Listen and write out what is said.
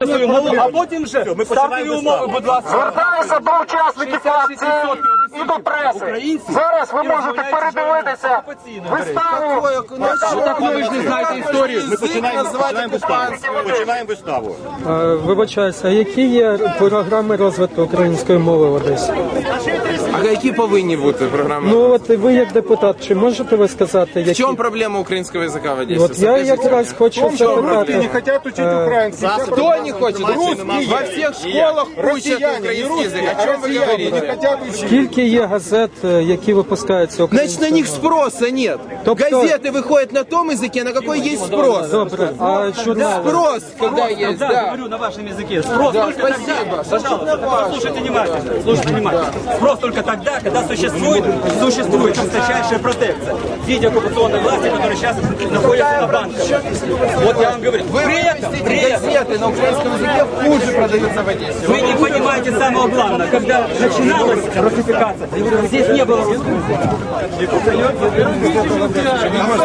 свою мову, а потім вже стартові умови, будь ласка. Звертаюся до учасників акції і до преси. Зараз ви можете передивитися виставу. Так ви ж не знаєте історію. Ми починаємо виставу. Вибачаюся, а які є програми розвитку української мови в Одесі? А які повинні бути програми? Ну от ви як депутат, чи можете ви сказати, В які? чому проблема українського язика в Одесі? От я якраз хочу запитати. Хотят учить украинский. Кто не хочет? Во всех школах учат украинский язык. О чем вы говорите? Скільки є газет, які випускаються Значит, українською на них мовою? спроса нет. Тобто- Газеты выходят на том языке, на какой есть спрос. Добре, а журнали? Спрос, когда есть, Да, да. говорю на вашем языке. Спрос Да, только спасибо. тогда, пожалуйста, слушайте внимательно, слушайте внимательно. Спрос только тогда, когда существует жесточайшая протекция в виде оккупационной власти, которая сейчас находится на банках. Вот я вам говорю. При этом Газеты на украинском языке хуже продаются в Одессе. вы не понимаете самого главного, когда начиналась русификация, здесь не было русского языка.